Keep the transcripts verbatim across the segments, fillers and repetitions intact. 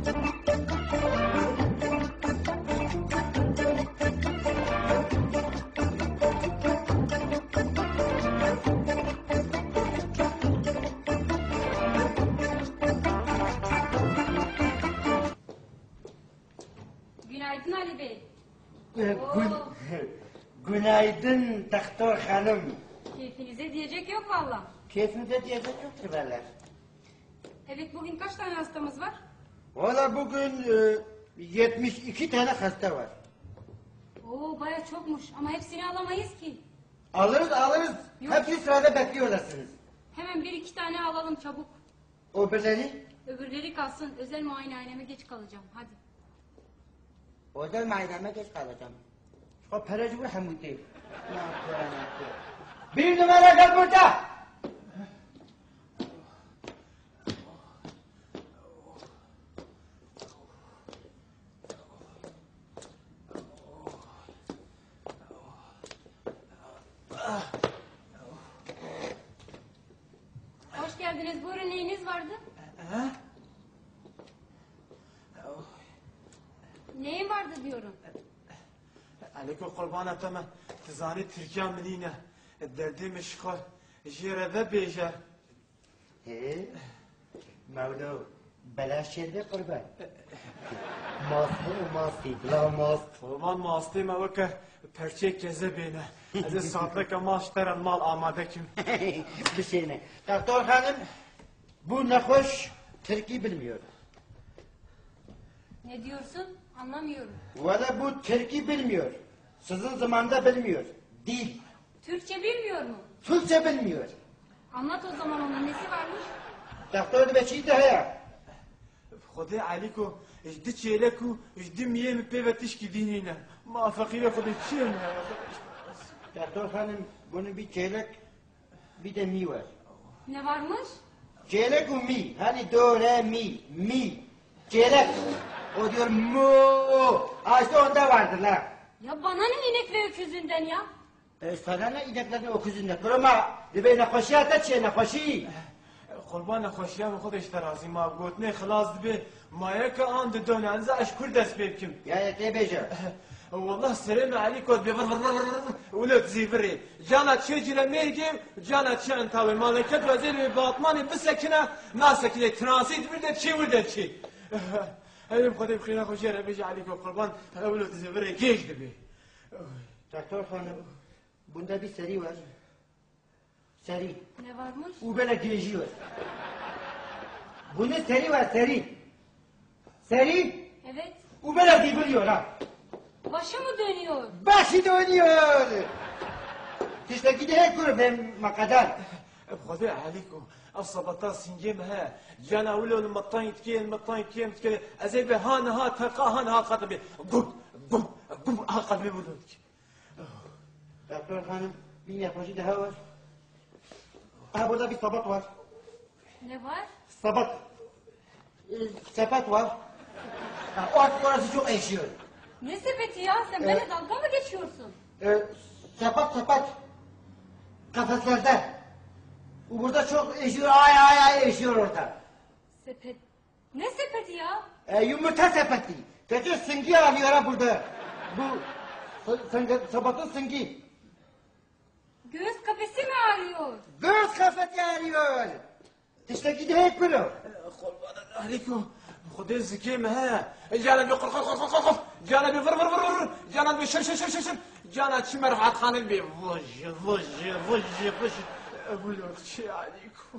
Günaydın Ali Bey. Gün, günaydın doktor hanım. Keyfinize diyecek yok valla. Keyfinize diyecek yoktur valla. Evet, bugün kaç tane hastamız var? Valla bugün e, yetmiş iki tane hasta var. Oo, baya çokmuş ama hepsini alamayız ki. Alırız alırız. Yok. Hepsi sırada bekliyorlarsınız. Hemen bir iki tane alalım çabuk. O birileri Öbürleri kalsın, özel muayenehaneme geç kalacağım, hadi. özel muayeneme geç kalacağım. O paracı bu Hamudi. Ne yapıyor ne yapıyor? Bir numara gel burada. Hoş geldiniz, buyurun, neyiniz vardı? Ha? Neyin vardı diyorum. Aleykum kurban eteme. Tizani Türkiye menine. Derdi meşgal. Jire ve bejer. He? Mevla belaş yerde kurban. Masti masti bla mast. Kurban mastı mı vakı perçe keze beni. Az saatlik mal işleren mal amade kim? Bir şey ne? Doktor hanım bu ne hoş Türkiye bilmiyor. Ne diyorsun? Anlamıyorum. Valla bu Türkiye bilmiyor. Sizin zamanda bilmiyor. Dil. Türkçe bilmiyor mu? Türkçe bilmiyor. Anlat o zaman, onun nesi varmış? Doktor da beçi de ya. خدي عليكم اجدي تشيلكو اجدي مية مكتبتش كدينينا ما فقيرة خدي تشيل Doktor hanım bunun bir çeyrek bir de mi var. Ne varmış? Çeyrek o mi. Hani do re mi mi. Çeyrek. O diyor mu. Ha işte onda vardır la. Ya bana ne inek ve öküzünden ya? E sana ne ineklerin okuzundan. Kurama. Dibe ne koşu ata çiğ ne koşu. قربان خوشیام خودش ترازی ما گوتنه خلاص دبی مایه که آن دونه انزا اشکر دست بکم Ya ya te beca. والله السلام عليكم بي ولد زيفري جانا تشجر ميجيم جانا تشان تاوي مالكت وزير باطماني بسكنه ناسك لي ترانسيت بده شي وده شي هل بخدي بخير خوشيره بيجي عليكم قربان ولد زيفري كيش دبي Doktor hanım bunda bir seri var. Seri. Ne varmış? Bu böyle geziyor. Bunun seri var seri. Seri. Evet. Bu böyle deviriyor ha. Başı mı dönüyor? Başı dönüyor. İşte giderek kur ben makadar. بخدي عليكم الصبطة سنجيمها جانا ولو المطاين تكين المطاين تكين تكين أزيب هان ها تلقى هان ها قطبي قب قب قب ها قلبي ولودك Doktor hanım bir yaklaşık daha var. Ha burada bir sabat var. Ne var? Sabat. E, sepet var. Ha, or orası çok eşiyor. Ne sepeti ya? Sen Evet. benimle dalga mı geçiyorsun? E, sepet sepet. Kafeslerde. Bu burada çok eşiyor. Ay ay ay eşiyor orada. Sepet. Ne sepeti ya? E, yumurta sepeti. Peki sıngi alıyor ha burada. Bu s- sabatın sıngi. Göğüs kafesi mi ağrıyor? Göz kafeti arıyor. İşte giderek bunu. قربان عليكم خدي زكيمها جانا بقر قر قر قر قر جانا بفر فر فر فر جانا بشر شر شر شر جانا تشمر حات خان البي فج فج فج فج أقول لك شيء عليكم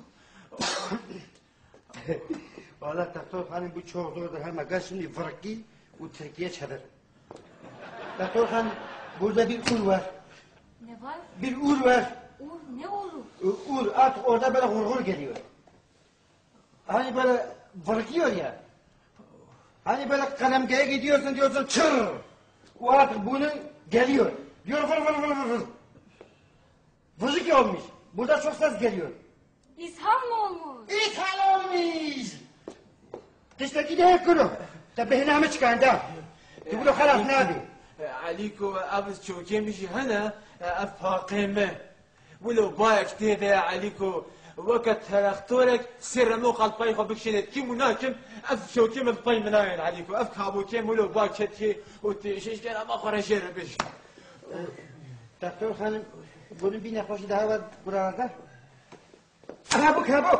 Valla doktor hanım bu çok zordur. Hem aga şimdi vırkı bu Türkiye çadır. Doktor hanım burada bir ur var. Ne var? Bir ur var. Ur, ne olur? U- Ur at orada böyle hurgur geliyor. Hani böyle vırkıyor ya. Hani böyle kalemgeye gidiyorsun diyorsun çır. O at bunu geliyor. Diyor vır vır vır vır vır. Vızık olmuş. Burada çok ses geliyor. İshal mı olmuş? İthal olmuş. İşte gidelim kuru. Tabi hinamı çıkan da. Tubulu halas ne abi? عليكم أبز شو كم يجي هنا أفاقمة ولو بايك تيدا عليكم وقت تراختورك سر مو قلبي خو بكشنت كي مناكم اف شو كم بطي مناين عليكم اف كابو كم ولو باكتي وتشيش كان ما خرج بش Doktor hanım, bunun bir nefesi daha var buralarda. Aha bu kabuk.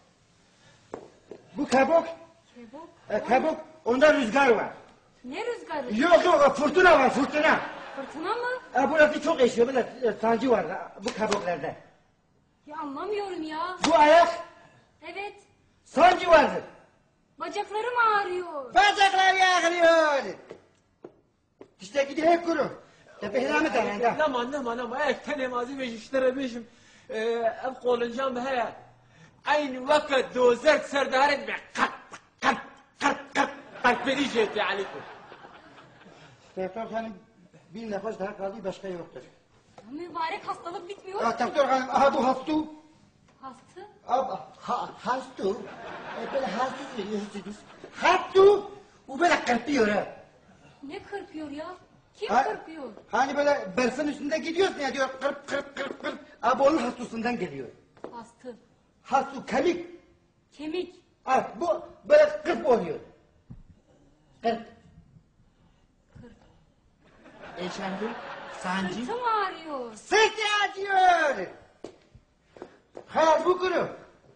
Bu kabuk. Kebap. E, kabuk, onda rüzgar var. Ne rüzgarı? Yok yok, fırtına var, fırtına. Fırtına mı? E, burası çok esiyor, böyle e, sancı var ha, bu kabuklarda. Ya anlamıyorum ya. Bu ayak, Evet. sancı vardır. Bacaklarım ağrıyor. Bacaklar yağlıyor. İşte gidiyor kuru. Tepehine tane de. لما لما لما هيك تاني مازي بيش اشتري بيشم ابقوا الجنب هيا اين وقت دوزرت سر دارت قط قط قط قط قط بريجيتي عليكم Doktor hanım, bir nefes daha kaldı, başka yoktur. Ya mübarek hastalık bitmiyor. Ah, doktor hanım, aha bu hastu. Hastı. Ab, ha, hastu. E, böyle hastu diyorsunuz. Hastu. Bu böyle kırpıyor ha. Ne kırpıyor ya? Kim Ha- kırpıyor? Hani böyle berfin üstünde gidiyorsun ya diyor kırp kırp kırp kırp. Abi onun hastusundan geliyor. Hastı. Hastu kemik. Kemik. Ha, bu böyle kırp oluyor. Kırp. Kırp. Eşendim. Sancı. Sırtım ağrıyor. Sırtı acıyor. Hayat bu kuru.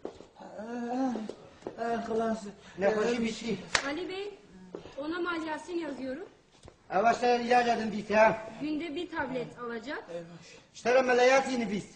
خلاص Nefesi bitti. Ali Bey, ona malyasin yazıyorum. Avaşlar ilaç edin biz ya. Günde bir tablet alacak. İşte meleyatini biz.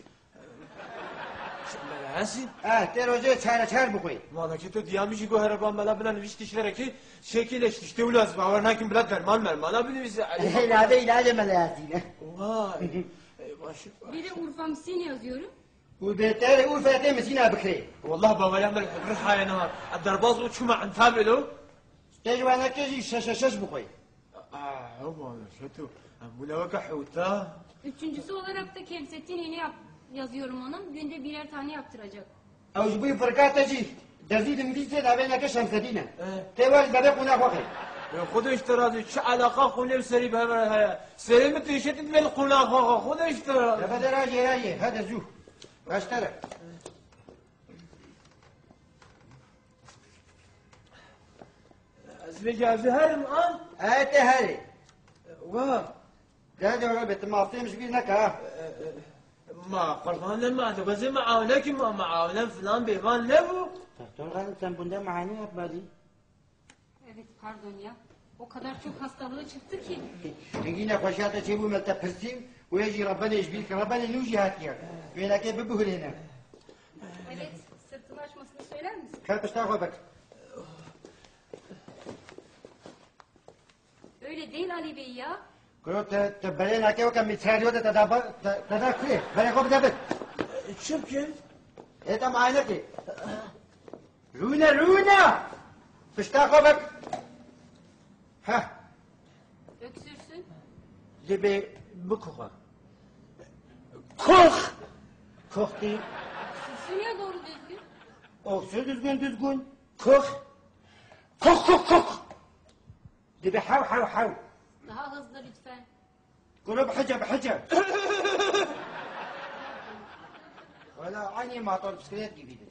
هاسي Ha, der hoca çare çare bu koy. والله كنت ديامي شي قهر بان ملا بلا نفيش تشتركي شكل ايش تشتي ولاز باور ناكن بلا درمان مرمان لا بني بيز علي İlacı ilacı meleyatini. واي ماشي Bir de urfamsin yazıyorum. Bu beter Urfa'ya mesina bıkri. والله بابا يعمل ريحه يا نهار الدرباز وشو ما نتابعه Tecrübene kezi şaş şaş şaş bu koy. اه هو شتو ولا وقع حوتا Üçüncüsü olarak da Kevsettin iğne yap yazıyorum ona. Günde birer tane yaptıracak. Avcı bu fırkatacı. Dezidim bizde de ben ne şemsedine. Evet. Teval bebek ona bakay. خذ اشترى شو علاقه خليل سري بها سلمت يشتت من القناخ خذ اشترى Lafada raci raci. Hadi zuh. Başlara. زوجة زهر الآن Evet hadi. واه Hadi ona bitti. Mafiymiş bir ne ka. ما قربان ما تبغى معاونك ما معاونا فلان بيبان لبو Doktor hanım sen bunda mani yapmadın. Evet pardon ya. O kadar çok hastalığı çıktı ki. Yine koşata çebu melta pırsim. Uyeci Rabbani işbil ki Rabbani nuji hatiya. Velake bir buhulene. Evet sırtını açmasını söyler misin? Kalpışta koy bak. Öyle değil Ali Bey ya. Kuru te te belena ke oka mitralyo da tada tada kre. Bana kop da bit. شبكة E tam aynı ki. Runa runa. Pışta koy bak. Ha. Öksürsün. Gibi bu koka. كخ Kok değil. Öksürsün ya doğru düzgün. Olsun düzgün düzgün. Kok. Kok kok kok. Gibi hav hav hav. Daha hızlı lütfen. Kuru bحجة bحجة. Valla aynı motor bisiklet gibiydi.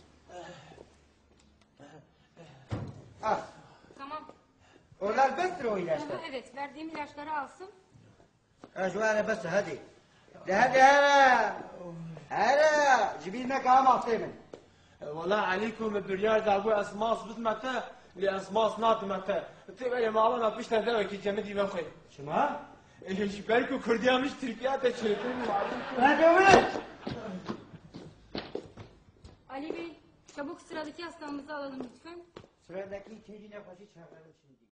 Ah, Tamam. onlar bestir o ilaçlar. Aha, evet verdiğim ilaçları alsın. Aşvara bes hadi. De hadi hara. Hara. Cibine kağım ahtayım. والله عليكم البريار ده ابو اسماس بتمتى لاسماس نات متى تبقى يا ماما بيش تدوي كي جمدي بخي Şuma? ايش بالكو كرديا مش تركيا تشيتين Hadi ömür. Ali Bey çabuk sıradaki hastamızı alalım lütfen. Sıradaki ikinci nefesi çağıralım şimdi.